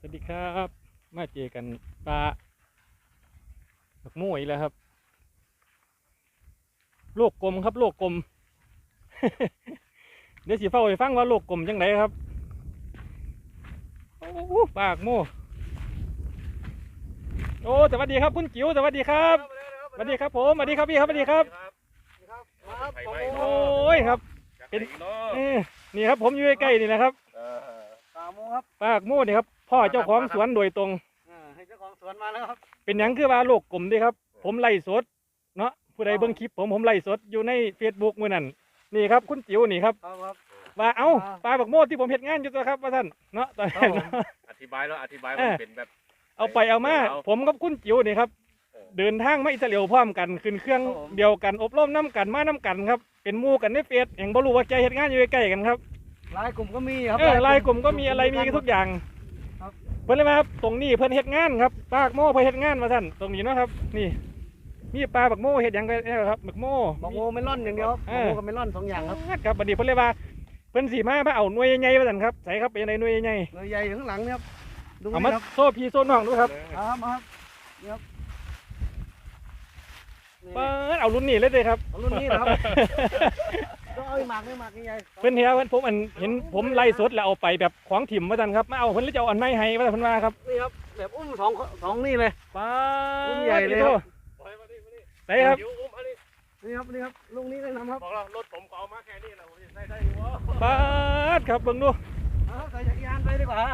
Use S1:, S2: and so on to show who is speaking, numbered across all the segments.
S1: วัสดีครับมาเจอกันปลาบักม่วยแล้วครับโลกกลมครับโลกกลม เดี๋ยวสิเฝ้าไปฟังว่าโลกกลมจังไดครับโอ้ปากโม่โอ้สวัสดีครับคุณจิ๋วสวัสดีครับสวัสดีครับผมสวัสดีครับพี่ครับสวัสดีครับโอ้ยครับเป็นนี่ครับผมอยู่ใกล้ๆนี่นะครับ
S2: ปาโมครับ
S1: ปากโม่นี่ครับพ่อเจ้าของสวนโดยตรง
S2: ให้เจ้าของสวนมาแล้วครับ
S1: เป็นหยังคือว่าโลกกลมดีครับผมไล่สดเนาะผู้ใดเบิ่งคลิปผมไล่สดอยู่ใน Facebook มื้อนั้นนี่ครับคุณจิ๋วนี่ครับว่าเอ้าปลาบักโม่ที่ผมเฮ็ดงานอยู่ตัวครับว่าท่านเนาะตอนนั้น
S3: อธิบายแล้วอธิบายมันเป็นแบบ
S1: เอาไปเอามาผมกับคุณจิ๋วนี่ครับเดินทางมาอิสราเอลพร้อมกันขึ้นเครื่องเดียวกันอบรมน้ำกันมาน้ำกันครับเป็นหมู่กันในเฟซแห่งบ่รู้ว่าใจเฮ็ดงานอยู่ใกล้ๆกันครับ
S2: ลายกลุ่มก็มีครับ
S1: ลายกลุ่มก็มีอะไรมีทุกอย่างเพิ่นเลยมาครับตรงนี้เพิ่นเฮ็ดงานครับปลาบักโม่เพิ่นเฮ็ดงานมาท่านตรงนี้เนาะครับนี่มีปลาบักโม่เฮ็ดหยังกันครับบักโม่
S2: เมลอนอย่างเดียวบักโม่กับเมลอน2อย่างครับ
S1: ครับบัดนี้เพิ่นเลยว่าเพิ่นสิมาเอาหน่วยใหญ่ๆว่าซั่นครับใส่ครับเป็นจังได๋หน่วยใหญ่
S2: หน่วยใหญ่อยู่ข้างหลังนี่ครับ
S1: เอามาโซ่พี่โซ่น้องดูครับ
S2: ครับนี่ครับ
S1: เปิดเอารุ่นนี้เลยครับ
S2: เอารุ่นนี้นะครับต้องเอาหมากใหญ่
S1: เพิ่นเห็นเพิ่นผมเห็นผมไล่สดแล้วเอาไปแบบของถิ่มว่าซั่นครับมาเอาเพิ่นเลยจะเอาอันไม้ให้ว่าเพิ่นว่าครับ
S2: นี่ครับแบบอุ้มสองนี่เลย
S1: ป้า
S2: อุ้มใหญ่เลยครับ
S1: ไหนครับ
S2: นี่ครับลุงนี้เลยนะครับ
S3: บอกแล้วรถผมก็เอามาแค่นี้แหละผมจะได้อยู่วะ
S1: ป้าครับเบิ่งดู
S2: ใส่จักรยานไปดีกว่า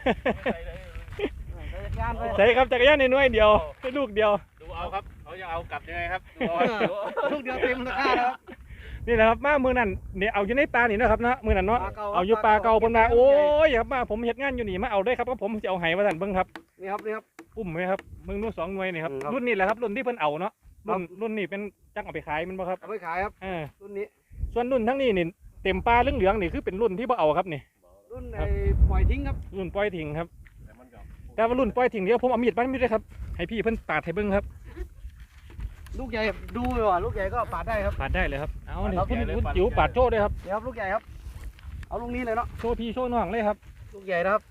S1: ใส่ครับจักรยานในหน่วยเดียวให้ลูกเดียว
S3: ดูเอาครับเขาจะเอากลับยังไงครับ
S2: ลูกเดียวเต็มราคาแล้ว
S1: นี่นะครับมามือนั่นเนี่ยเอาอยู่ในปลานี่นะครับนะมือนั่นเนาะเอาอยู่ปลาเก่าเพิ่นมาโอ้ยครับมาผมเฮ็ดงานอยู่นี่มาเอาได้ครับเพราะผมจะเอาไห้มาสั่นเบิ่งครับ
S2: นี่ครับ
S1: อุ้มไหมครับมึงนู่น2 หน่วยนี่ครับรุ่นนี้แหละครับรุ่นที่เพิ่นเอาเนาะรุ่นนี้เป็นจังเอาไปขายมันบ่ครับ
S2: เอาไปขายครับรุ่นนี้
S1: ส่วนรุ่นทั้งนี้นี่เต็มปลาเหลืองๆนี่คือเป็นรุ่นที่บ่เอาครับนี่
S2: รุ่นปล่อยทิ้งครับ
S1: รุ่นปล่อยทิ้งครับแต่ว่ารุ่นปล่อยทิ้งเดี๋ยวผมเอามีดด้วยครับให้พี่เพิ่นปาดให้เบิ่งครับ
S2: ลูกใหญ่ดูเลยว่ะลูกใหญ่ก็ปาดได้ครับ
S1: ปาดได้เลยครับเอาเนี่ยคุณจิ๋วปาดโชว์ด้วยครับ
S2: เดี๋ยวครับลูกใหญ่ครับเอาลูกนี้เลยเนาะ
S1: โชว์พี่โชว์น้องเลยครับ
S2: ลูกใหญ่นะครับ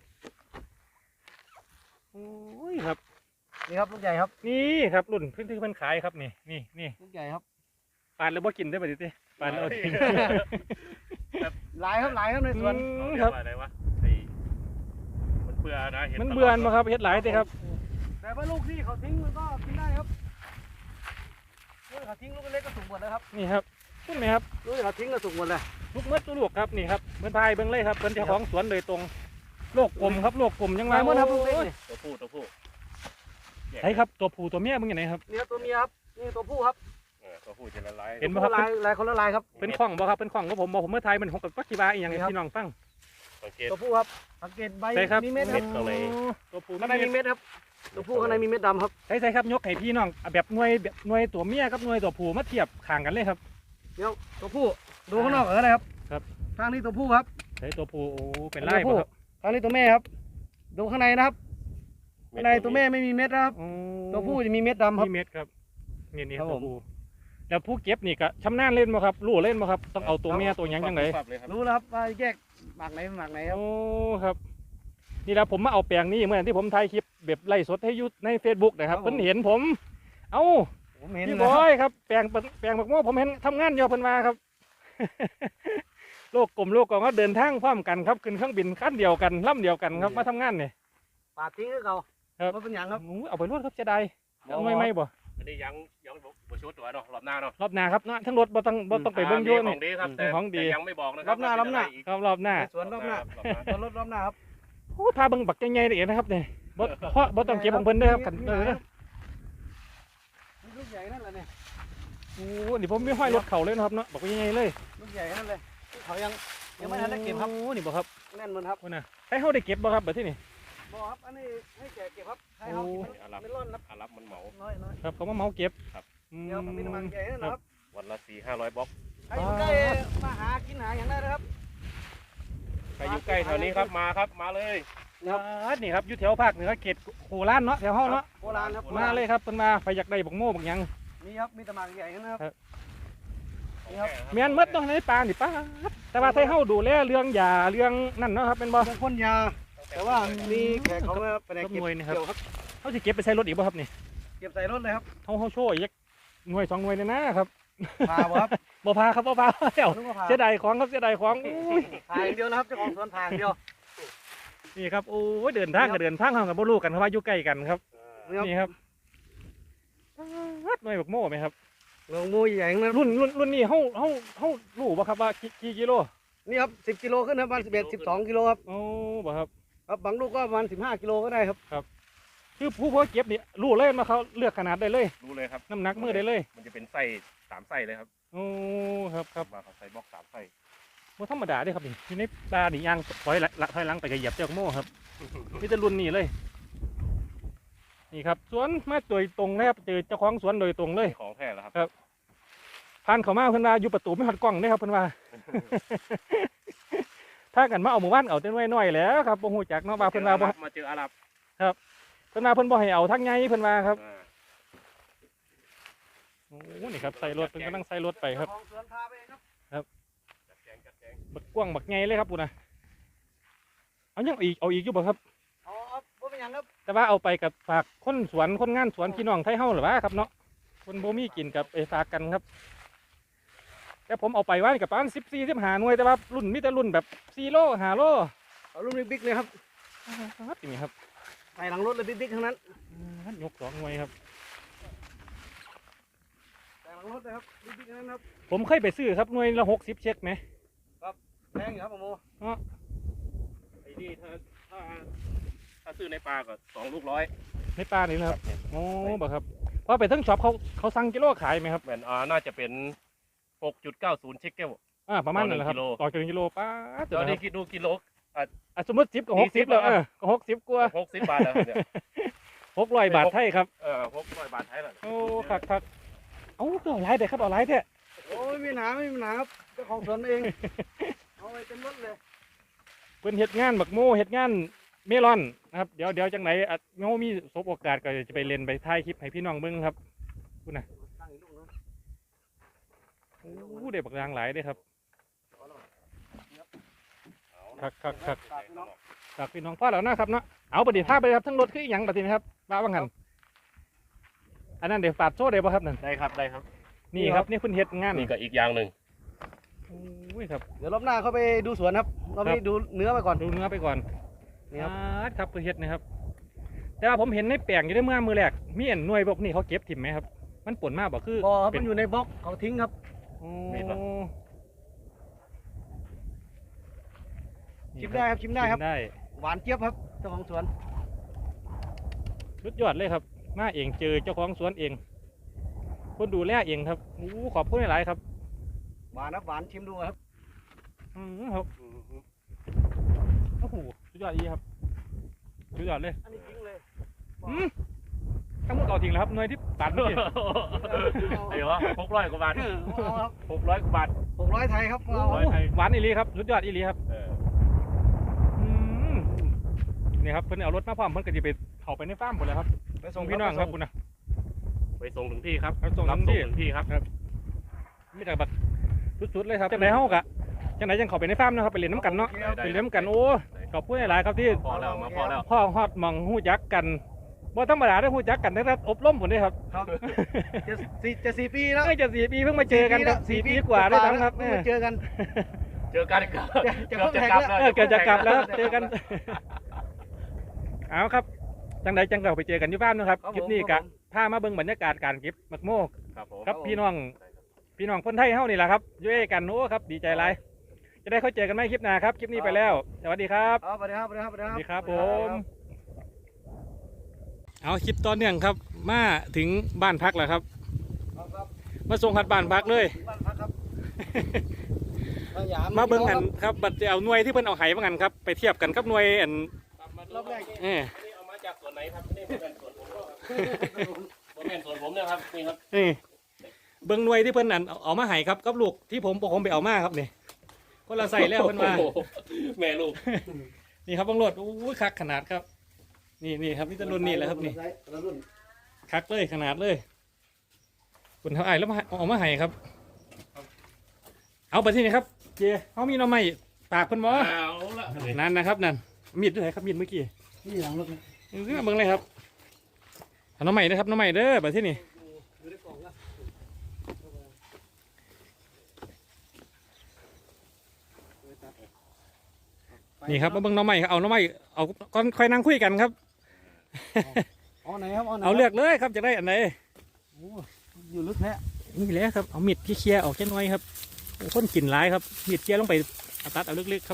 S1: โอ้ยครับ
S2: นี่ครับลูกใหญ่ครับ
S1: นี่ครับรุ่นพื้นที่เพิ่นขายครับนี่
S2: ลูกใหญ่ครับ
S1: ปาดแล้วบ่กินได้ป่ะดิปาดแล้วทิ้ง
S2: หลายครับในสวน
S3: ครับอะไรวะมันเบื่อนะ
S1: มันเบื่อมาครับเฮ็ดหลายสิครับ
S2: แต่ว่าลูกที่เขาทิ้งมันก็กินได้ครับลูกเขาทิ้งลูกเล็กก็สุกหมดเลยครับ
S1: นี่ครับขึ้นไหมครับ
S2: ลูกเขาทิ้งก็สุกหมดเลย
S1: ลูกเม็ดลูกครับนี่ครับเพิ่นพายเบิ่งเลยครับเพิ่นเจ้าของสวนโดยตรงโลกกลมครับโลกกลมยังไง
S2: หมดครับลูกเล็ก
S3: ตัวผู้
S1: ใช่ครับตัวผู้ตัวเมียมึงอย่างไรครับ
S2: นี่ตัวเมียครับนี่ตัวผู้ครับ
S3: ตัวผู้จะละลาย
S1: เห็นไหมครับ
S2: ลายคนละลายครับ
S1: เป็นข้องบ่ครับเป็นข้องของผมบอกผมเมื่อไทยมัน6กับปักกีบาอีกอย่างพี่น้องฟัง
S2: ตัวผู้ครับสังเกตใบมีเม็ดครับ
S1: ตัวผู้
S2: ข้างในมีเม็ดครับตัวผู้ข้างในมีเม็ดดำครับ
S1: ใช่ครับยกให้พี่น้องแบบหน่วยตัวเมียกับหน่วยตัวผู้มาเทียบข่างกันเลยครับ
S2: เดี๋ยวตัวผู้ดูข้างนอกก็ได้ครับทางนี้ตัวผู้ครับ
S1: ใช่ตัวผู้โอ้เป็นไร่ครับ
S2: ทางนี้ตัวแม่ครับดูข้างในนะครับข้างในตัวแม่ไม่มีเม็ดนะครับตัวผู้จะมีเม็ดดำครับ
S1: มีเม็ดครับนี่ตัวผู้แล้วผู้เก็บนี่ก็ชำนาญเล่นมาครับรู้เล่นมาครับต้องเอาตัวเมียตัวยังไง
S2: รู้แล้วครับว่าแยกหมากไหนครับ
S1: โอ้ครับนี่แหละผมมาเอาแปลงนี้เมื่อที่ผมถ่ายคลิปแบบไล่สดให้ยุดใน Facebook นะครับเพิ่นเห็นผมเอ้าพี่บอยครับแปลงบักโม่ผมเห็นทำงานอยู่เพิ่นมาครับโลกกลมก็เดินทางพร้อมกันครับขึ้นเครื่องบินขั้นเดียวกันลำเดียวกันครับมาทำงานเนี่ย
S2: ปาดทิ้งให้เขา
S1: ครับ
S2: เป็นอย่างครับ
S1: เอาไปรวดครับจะได้ไม่บ่
S3: อันนี้ยังบ่ชุดตัวเนาะรอบหน้าเนาะ
S1: รอบหน้าครับทั้งรถบ่ต้องไปเบิ่งโยน
S3: ของดีครับแต่ยังไม่บอกนะค
S1: รั
S3: บ
S1: รอบหน้ารอบหน้า
S2: สวนรอบหน้ารถรอบหน้าครับ
S1: โอ้พาเบิ่งบักใหญ่ๆเลยนะครับเนี่ยบ่ต้องเก็บของเพิ่นเด้อครับกัน
S2: ลูกใหญ่นั่นแหละเนี่ย
S1: โอ้นี่ผมไม่ห้อยรถเข่าเลยนะครับเนาะบักใหญ่เลย
S2: ลูกใหญ่นั่นเลยเขายังไม่ทันได้เก็บครับ
S1: โอ้นี่บ่ครับ
S2: แน่นมันครับ
S1: นะให้เขาได้เก็บบ่ครับแบบที่นี่
S2: บ่ครับอันนี้ให้แกเก็บครับให้เขาไม่ร่อนครับ
S3: รับมันเหมา
S1: ครับเขามาเหมาเก็บ
S3: ครับ
S2: เดี๋ยวมีน้ำมันใหญ่นะครับ
S3: วันละ400-500 บล็อก
S2: ใครอยู่ใกล้มาหากินหาอย่างได้นะครับ
S3: ใครอยู่ใกล้แถวนี้ครับมาครับมาเลย
S1: นี่ครับอยู่แถวภาคเหนือเขตโคราชเนาะแถวห้องเนาะ
S2: โคราชครับ
S1: มาเลยครับเป็นมาไปอยากได้บักโม่บักยัง
S2: มีครับมีตะมากใหญ่นะครับ
S1: เมียนมัดต้องในป่านี่ป้าแต่ว่าไทยเฮาดูแลเรื่องยาเรื่องนั่นเนาะครับเป็นบ่
S2: พ่นยาแต่ว่ามีแขกเขามาไปไหน
S1: ครับ
S2: เก็บ
S1: หน่วยนะครับ
S2: เกี่ยวครับ
S1: เขาจะเก็บไปใส่รถอีกบ่ครับนี่
S2: เก็บใส่รถเลยครับ
S1: เขาโชว์อีกหน่วย2 หน่วยเลยนะครับ
S2: พาบ่ครับ
S1: บ่พาครับบ่พาแล้ว
S2: นึกว่าพา
S1: เสียดายของครับเสียดายของอุ้ย
S2: พาอย่างเดียวนะครับเจ้าของสวนพาอย่างเดียว
S1: นี่ครับโอ้ยเดินทางกับเดินทางเขากับบ่รู้กันครับว่าอยู่ใกล้กันครับ
S2: นี่ครับ
S1: นี่ครับหน่วยบักโม่ไหมครับ
S2: ลงมูใหญ่ๆนะ
S1: รุ่นนี้เฮารู้บ่ครับว่ากี่กิโล
S2: นี่ครับ10 กิโลขึ้นครับประมาณ11 12 กิโลครับ
S1: โอ้บ่ครับ
S2: ครับบางลูกก็ประมาณ15 กิโลก็ได้ครับ
S1: คือผู้เพาะเก็บนี่รู้เลยมาเขาเลือกขนาดได้เลย
S3: รู้เลยครับ
S1: น้ำหนักมือได้เลย
S3: มันจะเป็นไส้3 ไส้เลยครับ
S1: โอ้ครับ
S3: มาเขาใส่บล็อก3 ไส้
S1: บ่ธรรมดาเด้ครับนี่อยู่ในป่านี่ย่างถอยหลังไปก็เหยียบเจ้าโม่ครับมีแต่รุ่นนี้เลย นี่ครับสวนมาโดยตรงเลยครับเจอเจ้าของสวนโดยตรงเลย
S3: ของแท้แล้วครับ
S1: ผ่านเขามาเพิ่นว่าอยู่ประตูไม่หัดกล้องเด้ครับเพิ่นว่า ถ้ากันมาเอาหมู่บ้านเอาแต่น้อยๆแหล้วครับบ่ฮู้จักเนาะว่าเพิ่นว่าบ่
S3: มาเจออาหรับ
S1: เพิ่นว่าเพิ่นบ่ให้เอาทั้งไงเพิ่นว่าครับ
S3: อ่า
S1: โอ้นี่ครับใส่รถเพิ่นกำลังใส่รถไปครับ
S2: เจ้าของสวนพาไปเองครับ
S3: จัดแจง
S1: บักกว้างบักไงเลยครับพุ่นน่ะเอายังเอาอีกอยู่บ่ครับ
S2: เอาครับบ่เป็นหยังครับ
S1: แต่ว่าเอาไปกับฝากคนสวนคนงานสวนพี่น้องไทยเฮาหรือว่าครับเนาะคนบ่มีกินกับไปฝากกันครับ แต่ผมเอาไปว่านี่กับประมาณ14 15หน่วยแต่ว่ารุ่นมีแต่รุ่นแบบ4 โล5 โล
S2: เอาลูกบิ๊กๆเลยครับ
S1: ครับนี่ครับ
S2: ใส่หลังรถเลยบิ๊กๆทั้งนั้น
S1: ยก2 หน่วยครับ
S2: ใส่หลังรถเลยครับบิ๊กๆทั้งนั้นครับ
S1: ผมเคยไปซื้อครับหน่วยละ60เช็คไหม
S2: แพงอยู่ครับผมโม
S3: ไอ้นี่ถ้าซื้อในปลาก็2 ลูก 100
S1: ในป่านี่นะครับโอ้บ่ครับเพราะไปทั้งช็อปเขาสั่งกิโลขายไหมครับ
S3: แม่นน่าจะเป็น 6.90 เช็คเก้ว
S1: ประมาณนั้นแหละครับ
S3: ต่อ1 กิโล
S1: ต่อ1 กิโลป้าด
S3: ตอนนี้
S1: นะครับ
S3: คิดดูกิโล
S1: สมมติ10กับ60แล้วก็60กว่า
S3: 60 บาทแล้วเนี่ย
S1: 600 บาทไทยครับ
S3: 600 บาทไทยแล้ว
S1: โอ้ครับเอ้าก็เอาหลายเด้อครับเอาหลายแท้
S2: โอ้ยไม่มีปัญหาไม่มีปัญหาครับเจ้าของสวนเอง เอาไปเต็มรถเลย
S1: เพิ่นเฮ็ดงานบักโมเฮ็ดงานเมลอนนะครับเดี๋ยวจังไหนโมมีสบโอกาสก็จะไปเล่นไปถ่ายคลิปให้พี่น้องเบิ่งครับคุณน่ะ
S2: ตั้งอีกลูกนึง
S1: โอ้ได้บักรางหลายเด้อครับครับ
S2: ฝากพี่น้อง
S1: ฝากพี่น้องพ่อแล้วนะครับเนาะเอาประเดี๋ยวท่าไปครับทั้งรถคือหยังบัดนี้นะครับว่าว่างั้นอันนั้นเดี๋ยวฝากโซ่ได้บ่ครับนั่น
S3: ได้ครับได้ครับ
S1: นี่ครับนี่คุณเฮ็ดงาน
S3: นี่ก็อีกอย่างหนึ่ง
S1: โอ้ยครับ
S2: เดี๋ยวรอบหน้าเขาไปดูสวนครับรอบนี้ดูเนื้อไปก่อน
S1: ดูเนื้อไปก่อน
S2: นี่ครับ
S1: ครับคุณเฮ็ดนะครับ แต่ว่าผมเห็นในแปลงอยู่ได้เมื่อมือแรกมีอันหน่วยพวกนี้เขาเก็บถิ่มไหมครับ มันป่นมากบ่คือ
S2: พอครับ
S1: เป็
S2: มันอยู่ในบล็อกเขาทิ้งครับ
S1: โอ้
S2: ชิมได้ครับชิมได้ครับ
S1: ชิมได้
S2: หวานเจี๊ยบครับเจ้าของสวน
S1: สุดยอดเลยครับ มาเองเจอเจ้าของสวนเอง คนดูแลเองครับโอ้ขอบคุณหลายๆครับ
S2: หวานครับหวานชิมดูครับ
S1: ครับโอ้โหสุดยอดอีครับสุดยอดเลย
S2: อันนี้ทิ้งเลย
S1: ทั้งหมดเก่าจริงแล้วครับหน่วยที่ตัดเมื่อกี้
S3: ไอ้เหรอ600 กว่าบาท
S2: เอาครับ
S3: 600 กว่าบาท
S2: 600 ไทยครับเอา
S1: โอ้หวานอีหลีครับสุดยอดอีหลีครับ นี่ครับเพิ่นเอารถมาพร้อมเพิ่นก็จะไปเข้าไปในฟาร์มหมดแล้วครับ
S2: ไป
S1: ส่งพี่น้องครับคุณนะ
S3: ไปส่งถึงที่ครับ
S1: ส่ง
S3: รับ
S1: ถึง
S3: ส่ง
S1: ที่
S3: ถึงที่ครับ
S1: มีแต่แบบสุดๆเลยครับจังไหนเฮากะจังไหนจังเข้าไปในฟาร์มนะครับไปเล่นน้ำกันเนาะ
S3: ได้
S1: ไปเล่นน้ำกันโอ้ขอบคุณหลายๆครับที่
S3: พอแล้วมาพอแล้ว
S1: พ่อฮอดหมองฮู้จักกันบ่ธรรมดาได้ฮู้จักกันตั้งแต่อบรมผมเด้ครับ
S2: ครับจะ4 ปีแล้ว
S1: เอ้ยจะ4 ปีเพิ่งมาเจอกันครับ4 ปีกว่าด้วยซ้ำครับ
S2: เพิ่งมาเจอกัน
S3: เจอกันครับ
S2: จะเพิ่งแข่งแล้ว
S1: เกิดจะกลับแล้วเจอกันเอาครับจังไหนจังเราไปเจอกันที่ฟาร์มนะครับคลิปนี้กะพามาเบิ่งบรรยากาศการเก็บมักโมก
S3: ครับผม
S1: ครับพี่น้องคนไทยเฮานี่แหละครับอยู่ด้วยกันโอ้ครับดีใจหลายจะได้เข้าเจอกันไหมคลิปหน้าครับคลิปนี้ไปแล้วสวัสดีครับ
S2: สวัสดีครับสวัสดีครับ
S1: สวัสดีครับผมเอาคลิปตอนเนื่องครับมาถึงบ้านพักแล้วครับ
S2: ครับ
S1: มาส่งหัดบ้านพักเลย
S2: บ้านพักครับ
S1: มาเบิ่งกันครับบัดจะเอาหน่วยที่เพิ่นเอาไหมากันครับไปเทียบกันกับหน่วยอัน
S2: รอบแรก
S1: เออ
S3: นี่เอามาจากส่วนไหนครับนี่เป็นส่วนผมก็เป็นส่วนผมนะครับนี่ครับ
S1: นี่เบิ่งหน่วยที่เพิ่นอันเอามาให้ครับกับลูกที่ผมไปเอามาครับนี่คนละใส่แล้วเพิ่นว่า
S3: โอ้โหแม่ลูก
S1: นี่ครับบังโหลดโอ้ยคักขนาดครับ นี่ครับนี่ตะรุ่นนี่แหละครับนี่คักเลยขนาดเลยคุณเท่าไอ้แล้วเอามาให้ครับ เอาไปที่นี่ครับเจเขามีหน้อไม้ปากเพิ่นบ่
S3: เอาละ
S1: นั่นนะครับนั่นมีดด้วยครับมีดเมื่อกี้
S2: นี่หลังรถ
S1: เรื่องเบิ่งเลยครับเอาน้องใหม่นะครับน้องใหม่เด้อแบบที่นี่
S2: อยู่ในกล่องละ
S1: นี่ครับมาเบิ่งน้องใหม่ครับเอาน้องใหม่เอาก่อนค่อยนั่งคุยกันครับ
S2: เอาไหนครับเอาไหน
S1: เอาเลือกเลยครับจะได้อันไหน
S2: โอ้อยู่ลึกแท้
S1: นี่แหละครับเอามีดที่เคลียร์ออกแค่น้อยครับโอ้คนกลิ่นร้ายครับมีดเคลียร์ลงไปเอาตัดเอาลึกๆครับ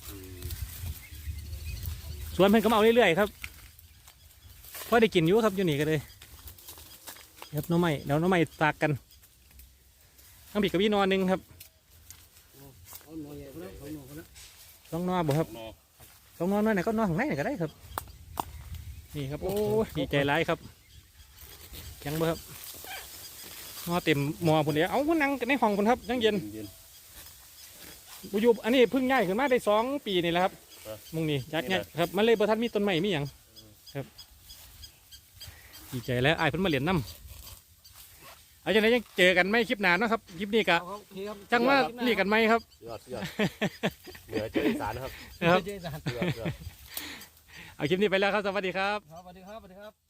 S1: ส่วนเพิ่นก็มาเอาเรื่อยๆครับพอได้กินอยู่ครับอยู่นี่ก็เลยครับน้องใหม่เดี๋ยวน้องใหม่ตากกันน้องบีกับพี่นอนหนึ่งครับ
S2: เอาหน่อยใหญ่คนละเอาหน่อยคนละ
S1: ลองนอนบ่ครับ
S3: นอ
S1: ลองนอนหน่อยไหนก็นอนข้างในไหนก็ได้ครับ นี่ครับโอ้ยดีใจร้ายครับยังบ่ครับนอนเต็มหมอพุ่นเดียวเอาพุ่นนั่งในห้องพุ่นครับยังเย็น
S3: เย็น
S1: บุยุบอันนี้เพิ่งง่ายขึ้นมาได้2 ปีนี่แหละครับ
S3: ครับ
S1: มุงนี่จักง่ายครับมันเลยประทัดมีต้นไม้มีอย่างครับดีใจแล้วไอ้ายเพิ่นมาเหรียญน้ำเอาจังไดยังเจอกันไม่คลิปหนานเนาะครับคลิปนี้กะ
S2: เอาโอเคครับ
S1: จังว่าเรียกกันไหมครับ
S3: ยอดเหนือเจออีสานนะครับ
S1: นะครับ
S2: เจ๊สาน
S3: ยอด
S1: เอาคลิปนี้ไปแล้วครับสวัสดีครับ
S2: ครับสวัสดีครับสวัสดีครับ